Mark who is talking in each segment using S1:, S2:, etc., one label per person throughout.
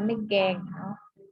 S1: ไม่แกงเอา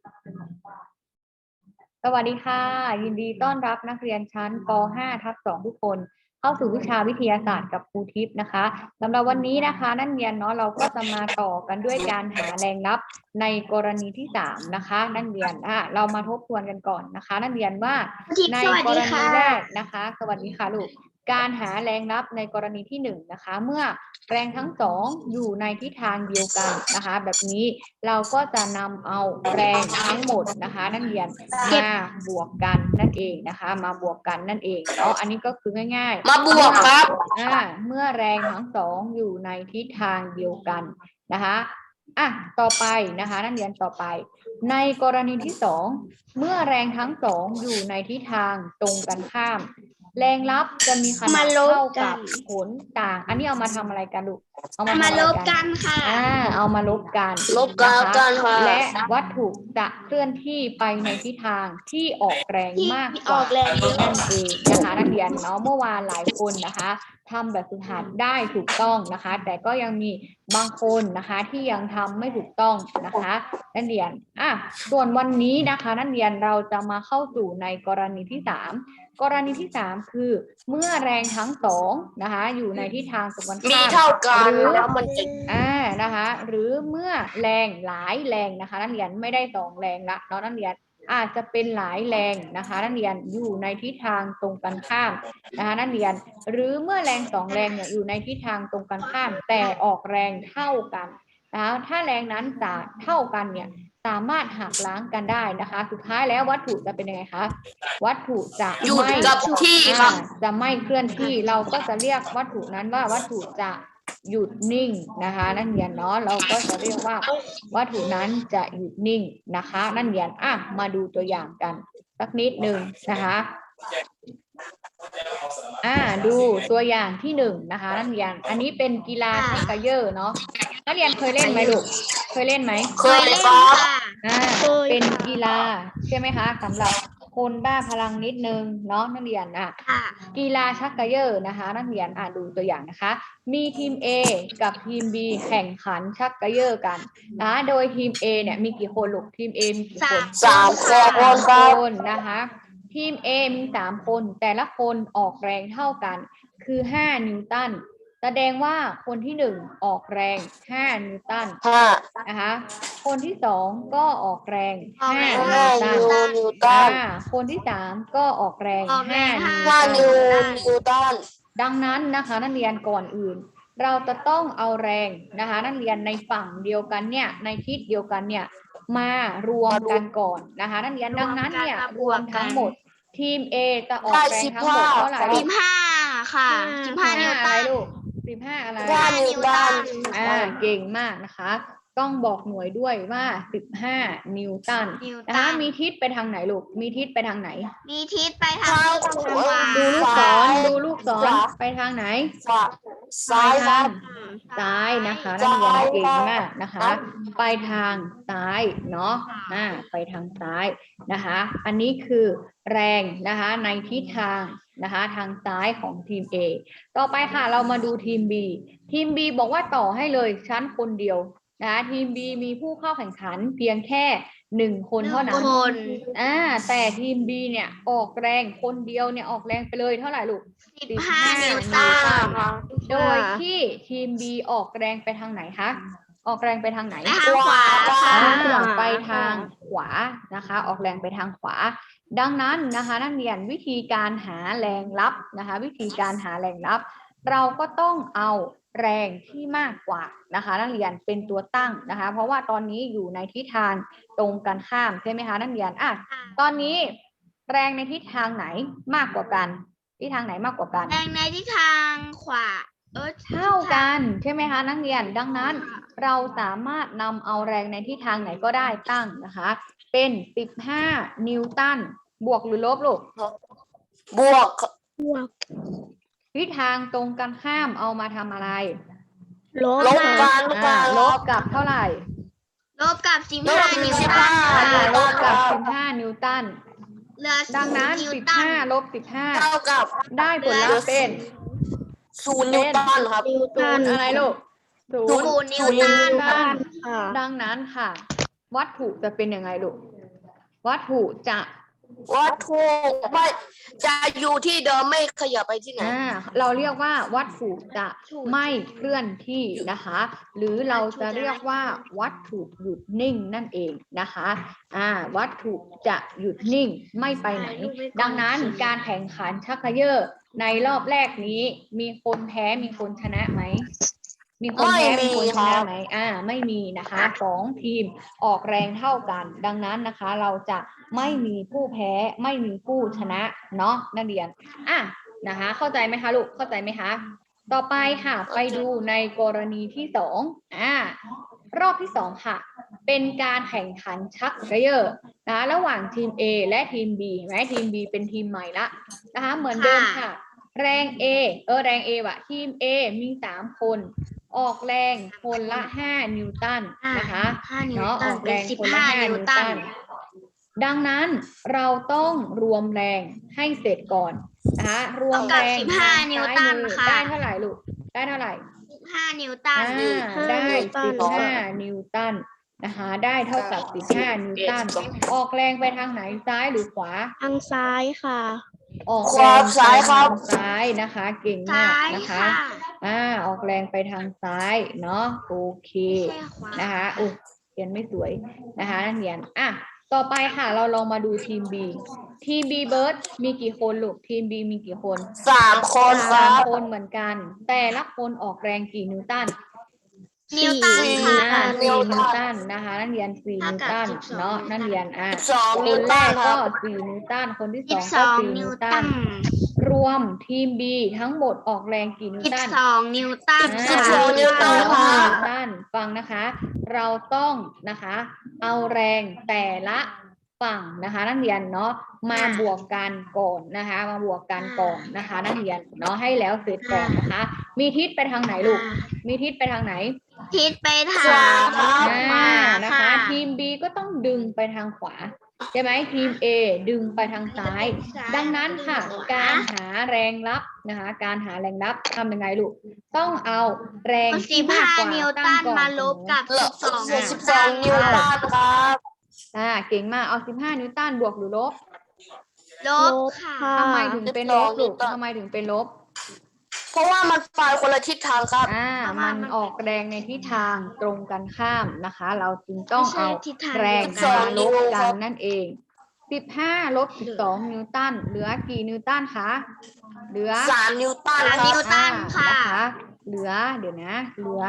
S1: สวัสดีค่ะยินดีต้อนรับนักเรียนชั้นป .5/2 ทุกคนเข้าสู่วิชาวิทยาศาสตร์กับครูทิพย์นะคะสำหรับวันนี้นะคะนักเรียนเนาะเราก็จะมาต่อกันด้วยการหาแรงลับในกรณีที่3นะคะนักเรียนเรามาทบทวนกันก่อนนะคะนักเรียนว่าในกรณีแรกนะคะสวัสดีค่ะลูกการหาแรงลับในกรณีที่1นะคะเมื่อแรงทั้งสองอยู่ในทิศทางเดียวกันนะคะแบบนี้เราก็จะนำเอาแรงทั้งหมดนะคะนักเรียนมาบวกกันนั่นเองนะคะมาบวกกันนั่นเองเนาะอันนี้ก็คือง่ายๆ
S2: มาบวกครับ
S1: เมื่อแรงทั้งสองอยู่ในทิศทางเดียวกันนะคะต่อไปนะคะนักเรียนต่อไปในกรณีที่2เมื่อแรงทั้งสองอยู่ในทิศทางตรงกันข้ามแรงลับจะมีขนาดเท่ากับผลต่างอันนี้เอามาทำอะไรกันลูกเอามาลบกันค่ะเอามาลบกันนะคะและวัตถุจะเคลื่อนที่ไปในทิศทางที่ออกแรงมากกว่านั่นเองนะคะนักเรียนเนาะเมื่อวานหลายคนนะคะทำแบบฝึกหัดได้ถูกต้องนะคะแต่ก็ยังมีบางคนนะคะที่ยังทำไม่ถูกต้องนะคะนักเรียนส่วนวันนี้นะคะนักเรียนเราจะมาเข้าสู่ในกรณีที่3กรณีที่3คือเมื่อแรงทั้งสองนะคะอยู่ในทิศทางตรงกันข้าม
S2: เท่ากันแล้วมันจะ
S1: นะคะหรือเมื่อแรงหลายแรงนะคะนักเรียนไม่ได้2แรงละเนาะนักเรียนอาจจะเป็นหลายแรงนะคะนักเรียนอยู่ในทิศทางตรงกันข้ามนะคะนักเรียนหรือเมื่อแรง2แรงเนี่ยอยู่ในทิศทางตรงกันข้ามแต่ออกแรงเท่ากันนะคะถ้าแรงนั้นจะเท่ากันเนี่ยสามารถหักล้างกันได้นะคะสุดท้ายแล้ววัตถุจะเป็นยังไงคะวัตถุจะไม่จะไม่เคลื่อนที่เราก็จะเรียกวัตถุนั้นว่าวัตถุจะหยุดนิ่งนะคะนักเรียนเนาะเราก็จะเรียกว่าวัตถุนั้นจะหยุดนิ่งนะคะนักเรียนมาดูตัวอย่างกันสักนิดหนึ่งนะคะดูตัวอย่างที่1นะคะนักเรียนอันนี้เป็นกีฬาชักเกยอร์เนาะนักเรียนเคยเล่นไหมลูกเคยเล่นไหม
S2: เคยครับ
S1: เป็นกีฬาใช่ไหมคะสำหรับคนบ้าพลังนิดนึงเนาะนักเรียนกีฬาชักเกยอร์นะคะนักเรียนดูตัวอย่างนะคะมีทีม A กับทีม B แข่งขันชักเกยอร์กันนะโดยทีม A เนี่ยมีกี่คนลูกทีม A มีกี่คน
S2: 3
S1: คนนะคะทีม A มี3คนแต่ละคนออกแรงเท่ากันคือ5นิวตันแสดงว่าคนที่1ออกแรง5นิวตันนะคะคนที่2ก็ออกแรง5นิวตันคนที่3ก็ออกแรง5นิวตันดังนั้นนะคะนักเรียนก่อนอื่นเราจะต้องเอาแรงนะคะนักเรียนในฝั่งเดียวกันเนี่ยในทิศเดียวกันเนี่ยมารวมกันก่อนนะคะนักเรียนดังนั้นเนี่ยรวมทั้งหมดทีม A จะออกแรงทั้งหมดเท่าไหร่
S2: 15ค่ะ15นิวตัน
S1: ลูก15อะไร
S2: 15นิวตัน
S1: เก่งมากนะคะต้องบอกหน่วยด้วยว่า15นิวตันนะคะมีทิศไปทางไหนลูกมีทิศไปทางไหน
S2: มีทิศไปทางขวา
S1: ดูลูกศรไปทางไหน
S2: ซ้ายครับ
S1: ซ้ายนะคะนักเรียนเก่งมากนะคะไปทางซ้ายเนาะไปทางซ้ายนะคะอันนี้คือแรงนะคะในทิศทางนะคะทางซ้ายของทีม A ต่อไปค่ะเรามาดูทีม B ทีม B บอกว่าต่อให้เลยชั้นคนเดียวนะทีม B มีผู้เข้าแข่งขันเพียงแค่1คนเท่านั้นแต่ทีม B เนี่ยออกแรงคนเดียวเนี่ยออกแรงไปเลยเท่าไหร่ลูก
S2: 15นิวตัน
S1: โดยที่ทีม B ออกแรงไปทางไหนคะออกแรงไปทางไหน
S2: ทางขวา
S1: ไปทางขวานะคะออกแรงไปทางขวาดังนั้นนะคะนักเรียนวิธีการหาแรงลับนะคะวิธีการหาแรงลับเราก็ต้องเอาแรงที่มากกว่านะคะนักเรียนเป็นตัวตั้งนะคะเพราะว่าตอนนี้อยู่ในทิศทางตรงกันข้ามใช่ไหมคะนักเรียนตอนนี้แรงในทิศทางไหนมากกว่ากันทิศทางไหนมากกว่ากัน
S2: แรงในทิศทางขวา
S1: เท่ากันใช่ไหมคะนักเรียนดังนั้นเราสามารถนำเอาแรงในทิศทางไหนก็ได้ตั้งนะคะเป็น15นิวตันบวกหรือลบลูก
S2: บวก
S1: ทิศทางตรงกันข้ามเอามาทำอะไร
S2: ลบ
S1: กับเท่าไหร่
S2: ลบกับ15นิวตัน
S1: ลบกับ15นิวตันดังนั้น15ลบ15
S2: เท่ากับ
S1: ได้ผลลัพธ์เป็น
S2: 0นิวตันครับ
S1: 0อะไรลูก
S2: 0นิวตัน
S1: ดังนั้นค่ะวัตถุจะเป็นยังไงลูกวัตถุจะ
S2: วัตถุไม่จะอยู่ที่เดิมไม่ขยับไปที่ไหน
S1: เราเรียกว่าวัตถุจะไม่เคลื่อนที่นะคะ หรือเราจะเรียกว่าวัตถุหยุดนิ่งนั่นเองนะคะวัตถุจะหยุดนิ่งไม่ไปไหน ดังนั้นการแข่งขันชักเขย่อในรอบแรกนี้มีคนแพ้มีคนชนะไหมมีคนแพ้มีคนชนะไหมไม่มีนะคะสองทีมออกแรงเท่ากัน ดังนั้นนะคะเราจะไม่มีผู้แพ้ไม่มีผู้ชนะเนาะนักเรียนนะคะเข้าใจไหมคะลูกเข้าใจไหมคะต่อไปค่ะไปดูในกรณีที่สองรอบที่สองค่ะเป็นการแข่งขันชักเขย่อนะระหว่างทีม A และทีม B เห็นไหมทีม B เป็นทีมใหม่ละนะคะเหมือนเดิมค่ะแรง A แรง A ว่ะทีม A มี3คนออกแรงคนละ5นิวตันนะคะเนาะออกแรงคนละ5นิวตันดังนั้นเราต้องรวมแรงให้เสร็จก่อนนะคะรวมแรง15นิวตันค่ะได้เท่าไหร่ลูกได้เท่าไหร่15นิวตันได้15นิวตันนะคะได้เท่ากับ15นิวตันออกแรงไปทางไหนซ้ายหรือขวาทางซ้ายค่ะออกแรงซ้ายครับซ้ายนะคะเก่งมากนะคะออกแรงไปทางซ้ายเนาะโอเคนะคะเขียนไม่สวยนะคะนักเรียนต่อไปค่ะเราลองมาดูทีม B ทีม B เบิร์ดมีกี่คนลูกทีม B มีกี่คน
S2: 3 คนครับ
S1: 3 คนเหมือนกันแต่ละคนออกแรงกี่นิวตัน
S2: นิวตันค่ะ
S1: 4 นิวตันนะคะนักเรียน4นิวตันเนาะนักเรียน
S2: 12 นิว
S1: คนแร
S2: ตัน
S1: ก
S2: ค
S1: ก็
S2: รับ
S1: 4 นิวตันคนที่2ก็4 นิวตันรวมทีม B ทั้งหมดออกแรงกี่นิวตัน
S2: 12 นิวตัน
S1: 12
S2: นิวตันค่ะ
S1: ฟังนะคะเราต้องนะคะเอาแรงแต่ละฝั่งนะคะนักเรียนเนาะมาบวกกันก่อนนะคะมาบวกกันก่อนนะคะนักเรียนเนาะให้แล้วเสร็จก่อนนะคะมีทิศไปทางไหนลูกมีทิศไปทางไหน
S2: ทิศไปทางขวา
S1: นะคะทีม B ก็ต้องดึงไปทางขวาใช่ไหมทีม A ดึงไปทางซ้ายดังนั้นค่ะการหาแรงรับนะคะการหาแรงรับทำยังไงลูกต้องเอาแรงที่มากกว่า
S2: นิวตันมาลบกับ12 นิวตันครับ
S1: เก่งมากเอา15 นิวตันบวกหรือลบ
S2: ลบค่ะ
S1: ทำไมถึงเป็นลบลูกทำไมถึงเป็นลบ
S2: เพราะว่ามันไปคนละทิศทางครับ
S1: มันออกแรงในทิศทางตรงกันข้ามนะคะเราจึงต้องเอาแรงมาลบกันนั่นเอง15 ลบ 12 นิวตันเหลือกี่นิวตันคะเหลือ
S2: 3 นิวตัน
S1: ค่ะเหลือเดี๋ยวนะเหลือ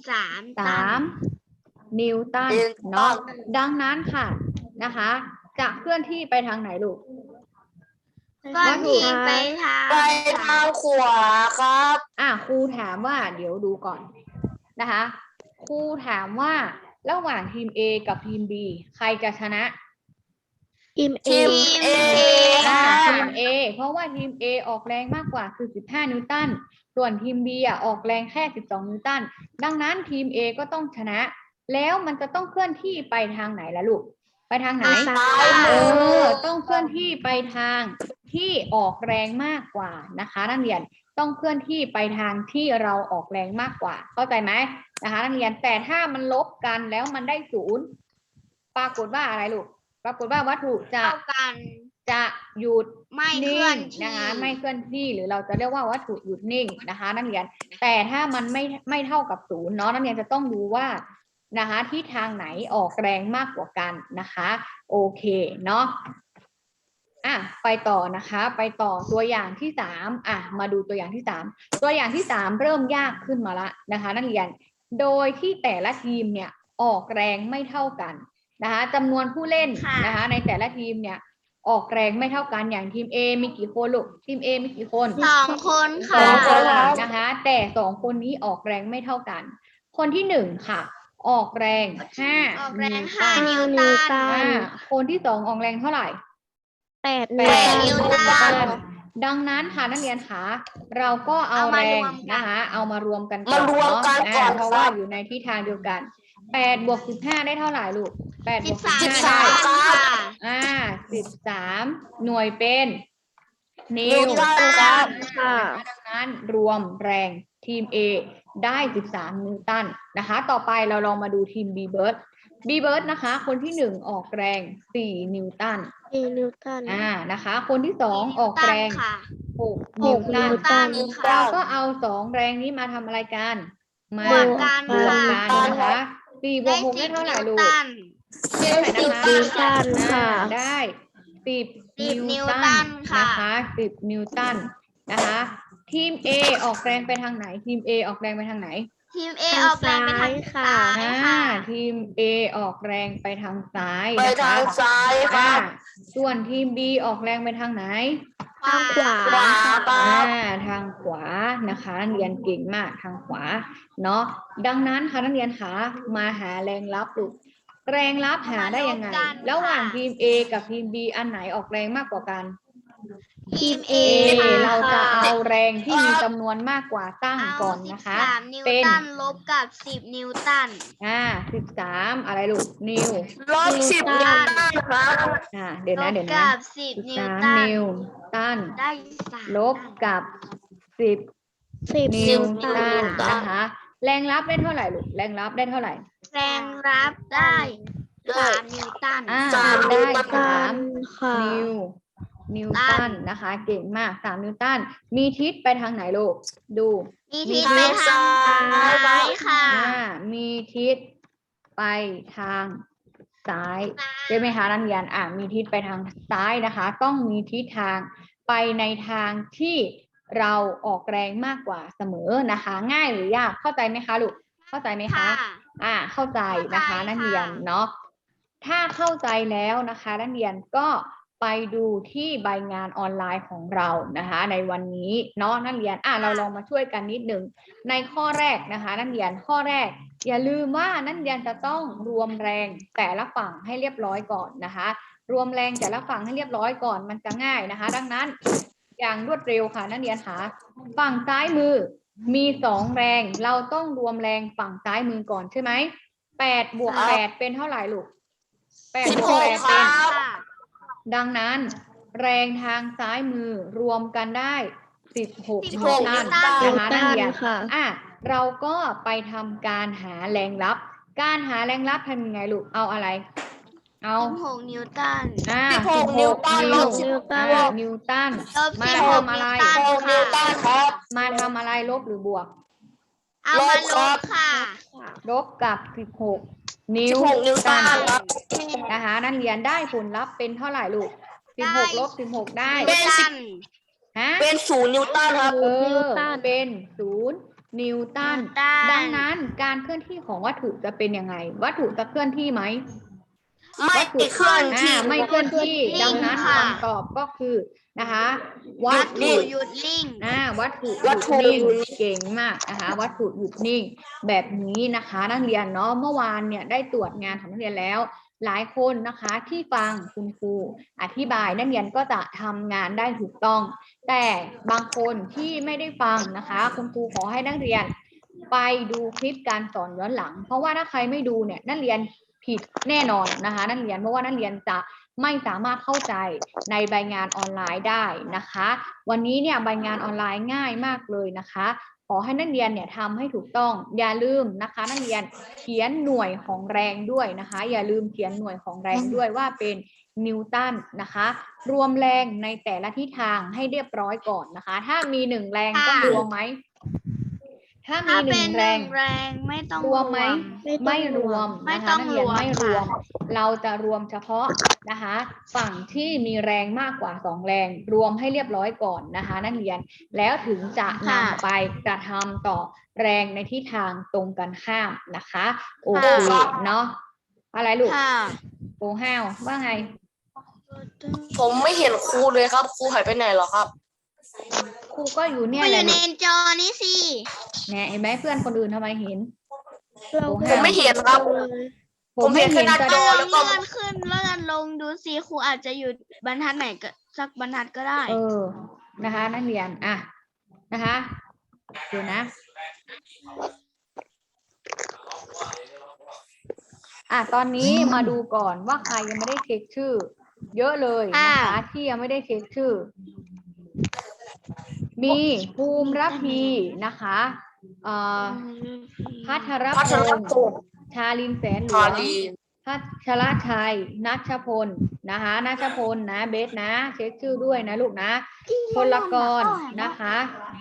S1: 3 นิวตันเนาะดังนั้นค่ะนะคะจะเคลื่อนที่ไปทางไหนลูก
S2: วัตถุไปทางขวาครับ
S1: ครูถามว่าเดี๋ยวดูก่อนนะคะครูถามว่าระหว่างทีม A กับทีม B ใครจะชนะ
S2: ทีม A
S1: ทีม A เพราะว่าทีม A ออกแรงมากกว่าคือ15 นิวตันส่วนทีม B ออกแรงแค่12 นิวตันดังนั้นทีม A ก็ต้องชนะแล้วมันจะต้องเคลื่อนที่ไปทางไหนล่ะลูกไปทางไหนต้องเคลื่อนที่ไปทางที่ออกแรงมากกว่านะคะนักเรียนต้องเคลื่อนที่ไปทางที่เราออกแรงมากกว่าเข้าใจไหมนะคะนักเรียนแต่ถ้ามันลบกันแล้วมันได้0ปรากฏว่าอะไรลูกปรากฏว่าวัตถุจะหยุด
S2: ไม่เคลื่อน
S1: นะคะไม่เคลื่อนที่หรือเราจะเรียกว่าวัตถุหยุดนิ่งนะคะนักเรียนแต่ถ้ามันไม่เท่ากับ0เนาะนักเรียนจะต้องดูว่านะคะที่ทางไหนออกแรงมากกว่ากันนะคะโอเคเนาะไปต่อนะคะไปต่อตัวอย่างที่3มาดูตัวอย่างที่3ตัวอย่างที่3เริ่มยากขึ้นมาละนะคะนักเรียนโดยที่แต่ละทีมเนี่ยออกแรงไม่เท่ากันนะคะจำนวนผู้เล่นนะคะในแต่ละทีมเนี่ยออกแรงไม่เท่ากันอย่างทีม A มีกี่คนลูกทีม A มีกี่คน
S2: 2 คนค่ะ
S1: 2 คนนะคะแต่2 คนนี้ออกแรงไม่เท่ากันคนที่1ค่ะออกแรง5
S2: นิวตัน
S1: คนที่2ออกแรงเท่าไหร่
S2: 8 นิวตัน
S1: ดังนั้นค่ะนักเรียนคะเราก็เอาแรงนะคะเอามารวมกันก่อนเนาะเพราะว่าอยู่ในทิศทางเดียวกัน8 บวก 15ได้เท่าไหร่ลูก8 บวก 15ได้13 หน่วยเป็นนิวตันดังนั้นรวมแรงทีม A ได้13 นิวตันนะคะต่อไปเราลองมาดูทีม B เบิร์ดบีเบิร์ดนะคะ คนที่หนึ่งออกแรง4 นิวตัน
S2: นิวตัน
S1: นะคะ คนที่สองออกแรง
S2: ค่ะ
S1: 6 นิวตัน
S2: ตัน
S1: เราก็เอา2แรงนี้มาทำอะไรกัน มา
S2: บวกกัน
S1: บวก
S2: ค่ะ
S1: กันนะคะ4 บวก 6 ได้เท่าไหร่ลูก ได้เท่าไหร่นะคะ
S2: นิวตันค่ะ
S1: ได้10
S2: 10
S1: นิวตัน
S2: นิวตันค่ะ
S1: นะคะ10 นิวตันนะคะ ทีม A ออกแรงไปทางไหน ทีม A ออกแรงไปทางไหน
S2: ทีม A ออกแรงไปทางซ้าย
S1: อ่า
S2: ค่ะ
S1: ทีม A ออกแรงไปทางซ้าย
S3: ไป
S1: นะคะ
S3: ทางซ้ายค
S1: อ่า
S3: รับ
S1: ส่วนทีม B ออกแรงไปทางไหน
S2: ทางขวา
S3: ขวาครับ
S1: ทางขวานะคะนักเรียนเก่งมากทางขวาเนาะดังนั้นค่ะนักเรียนคะมาหาแรงรับลูกแรงรับหาได้ยังไง
S2: มาลบกัน
S1: ระหว่างทีม A กับทีม B อันไหนออกแรงมากกว่ากัน
S2: ทีม A
S1: เราจะเอาแรงที่มีจำนวนมากกว่าตั้งก่อนนะคะ
S2: 13 นิว
S1: เป็น
S2: ตันลบกับ 10 นิวตัน
S1: 13อะไรลูกนิว
S3: ลบ10 นิวตันครับ
S1: เดี๋ยว
S2: ล
S1: นะ
S2: บ
S1: เดี๋ยวนะ
S2: กับ 10 นิวตั
S1: 13
S2: น
S1: นิวตัน
S2: ได้3
S1: ลบกับ10 นิวตันนะคะ แรงรับได้เท่าไหร่ลูกแรงรับได้เท่าไหร่
S2: แรงรับได้ 3 นิวตัน
S3: 3
S1: ได้
S3: นิวตัน
S1: 3 นิวตันนะคะ เก่งมาก3 นิวตันมีทิศไปทางไหนลูกดู
S2: มีทิศไปทางซ้ายค่ะ
S1: มีทิศไปทางซ้ายใช่ไหมคะนักเรียนมีทิศไปทางซ้ายนะคะ ต้องมีทิศทางไปในทางที่เราออกแรงมากกว่าเสมอนะคะ ง่ายหรือยากเข้าใจไหมคะลูกเข้าใจไหมคะ เข้าใจนะคะ
S2: เข้าใจค่ะ
S1: นักเรียนเนาะถ้าเข้าใจแล้วนะคะนักเรียนก็ไปดูที่ใบงานออนไลน์ของเรานะคะ ในวันนี้เนาะนักเรียนเราลองมาช่วยกันนิดหนึ่งในข้อแรกนะคะนักเรียนข้อแรก อย่าลืมว่านักเรียนจะต้องรวมแรงแต่ละฝั่งให้เรียบร้อยก่อนนะคะ รวมแรงแต่ละฝั่งให้เรียบร้อยก่อนมันจะง่ายนะคะ ดังนั้นอย่างรวดเร็วค่ะนักเรียนคะฝั่งซ้ายมือมี2แรงเราต้องรวมแรงฝั่งซ้ายมือก่อนใช่ไหม8 บวก 8เป็นเท่าไหร่ลูก8 บวก 8 เป็น ดังนั้นแรงทางซ้ายมือรวมกันได้16 นิวตันนะคะนักเรียนเราก็ไปทำการหาแรงรับการหาแรงรับทำยังไงลูกเอาอะไรเอา
S2: 16 นิวตัน
S3: 16 นิวตันลบ
S1: นิวตัน
S2: ลบ
S1: มา
S2: 16
S1: ทำอะไร
S3: 6 นิวตันครับ
S1: มาทำอะไรลบหรือบวก
S2: เอามาลบค่ะ
S1: ลบกับ16 นิว
S3: 16 นิวตันครับ
S1: นะคะนักเรียนได้ผลลัพธ์เป็นเท่าไหร่ลูก16 ลบ 16 ได้
S3: เป็น
S2: ตัน
S3: เป็น 0 นิวตันครับ
S1: เป็น 0 นิวตัน ดังนั้นการเคลื่อนที่ของวัตถุจะเป็นยังไง วัตถุจะเคลื่อนที่ไหม
S3: ไม่เคลื่อนที่
S1: ไม่เคลื่อนที่ ดังนั้น
S2: ค่ะ
S1: คำตอบก็คือนะคะวั
S2: วั
S1: ต
S2: ต
S1: ถุ
S2: ถุหยุดลิ่ง
S1: วัตถุห
S3: วั
S1: ยุ
S3: ต
S1: ด
S3: ถุ
S1: นิ่ง
S3: หยุดนิ่ง
S1: เก่งมากนะคะ วัตถุหยุดนิ่ง แบบนี้นะคะนักเรียนเนาะเมื่อวานเนี่ยได้ตรวจงานของนักเรียนแล้ว หลายคนนะคะที่ฟังคุณครูอธิบายนักเรียนก็จะทำงานได้ถูกต้อง แต่บางคนที่ไม่ได้ฟังนะคะคุณครูขอให้นักเรียนไปดูคลิปการสอนย้อนหลัง เพราะว่าถ้าใครไม่ดูเนี่ยนักเรียนผิดแน่นอนนะคะนักเรียนเพราะว่านักเรียนจะไม่สามารถเข้าใจในใบงานออนไลน์ได้นะคะ วันนี้เนี่ยใบงานออนไลน์ง่ายมากเลยนะคะ ขอให้นักเรียนเนี่ยทำให้ถูกต้องอย่าลืมนะคะนักเรียนเขียนหน่วยของแรงด้วยนะคะ อย่าลืมเขียนหน่วยของแรงด้วยว่าเป็นนิวตันนะคะ รวมแรงในแต่ละทิศทางให้เรียบร้อยก่อนนะคะ ถ้ามี1แรงต้องรวมไหมถ้ามี
S2: ถ้าเป็น
S1: 1แรง
S2: 1 แรงไม่ต้อง
S1: รวมไหมไม่รวม
S2: ไม่
S1: นะคะ
S2: ต้อง
S1: นักเรียน
S2: รวม
S1: ไม่รวม
S2: ค่ะ
S1: เราจะรวมเฉพาะนะคะฝั่งที่มีแรงมากกว่า2แรงรวมให้เรียบร้อยก่อนนะคะนักเรียนแล้วถึงจะนำไปกระทำต่อแรงในทิศทางตรงกันข้ามนะคะโอเคเนาะอะไรลูก
S2: ค่ะ
S1: โอ้ห้าวว่าไง
S3: ผมไม่เห็นครูเลยครับ ครูหายไปไหนเหรอครับ
S1: ครูก็อยู่เนี่ย
S2: ก็อ
S1: แหละ
S2: ยู่ใน
S1: ลูก
S2: จอนี้สิ
S1: เนี่ยเห็นไหมเพื่อนคนอื่นทำไมเห็น
S3: ผมไม่เห็นครับ ผมเห็นแค่หน้า
S1: แต่
S3: จอ
S2: ล
S3: แล้
S2: อ
S3: ว
S2: ง
S3: ก็
S2: เลื่อนขึ้นเลื่อนลงดูสิครูอาจจะอยู่บรรทัดไหนก็สักบรรทัดก็ได้
S1: นะคะนักเรียนนะคะเดี๋ยวนะตอนนี้มาดูก่อนว่าใครยังไม่ได้เช็คชื่อ เยอะเลยนะคะที่ยังไม่ได้เช็คชื่อ มีภูมิระพีนะคะพัทรพ
S3: พัทร
S1: งศ์
S3: พงศ์
S1: ชาลินแสนหล
S3: พาว
S1: ง
S3: ลี
S1: พัชรชัยนัชพลนะคะนัชพลนะเบสนะเช็คชื่อด้วยนะลูกนะพลกรนะคะ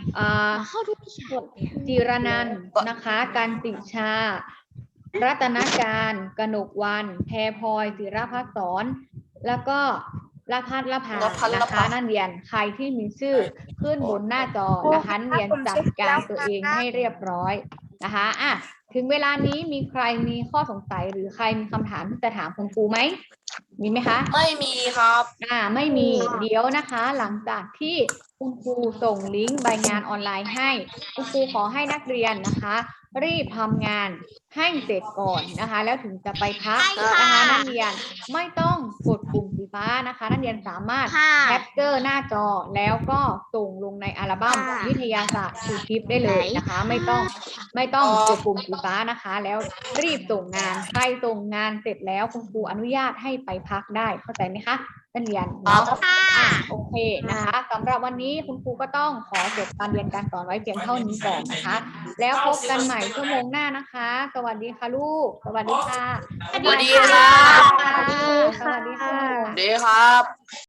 S1: จิรนันท์นะคะกันติชารัตนการกนกวันแพรพลอยศิรภัสสรแล้วก็ละพัฒละพานะคะนักเรียนใครที่มีชื่อขึ้นบนหน้าจอนะคะนักเรียนจัดการตัวเองให้เรียบร้อยนะคะอ่ะถึงเวลานี้มีใครมีข้อสงสัยหรือใครมีคำถามที่จะถามคุณครูไหมมีไหมคะ
S3: ไม่มีครับ
S1: ไม่มีเดี๋ยวนะคะ หลังจากที่คุณครูส่งลิงก์ใบงานออนไลน์ให้คุณครูขอให้นักเรียนนะคะ รีบทำงานให้เสร็จก่อนนะคะ แล้วถึงจะไปพักนะคะนักเรียนไม่ต้องกดปุ่มสีฟ้านะคะนักเรียนสามารถแคปเจอร์หน้าจอแล้วก็ส่งลงในอัลบั้มวิทยาศาสตร์ครูทิพย์ได้เลยนะคะ ไม่ต้องกดปุ่มสีฟ้านะคะ แล้วรีบส่งงานใครส่งงานเสร็จแล้วคุณครูอนุญาตให้ไปพักได้เข้าใจไหมคะนักเรียนเนาะโอเคนะคะสำหรับวันนี้คุณครูก็ต้องขอจบการเรียนการสอนไว้เพียงเท่านี้ก่อนนะคะ แล้วพบกันใหม่ชั่วโมงหน้านะคะ สวัสดีค่ะลูกสวัสดีค่ะ
S3: สวัสดีครับ
S1: สวัสดีค่ะ
S3: สวัสดีครับ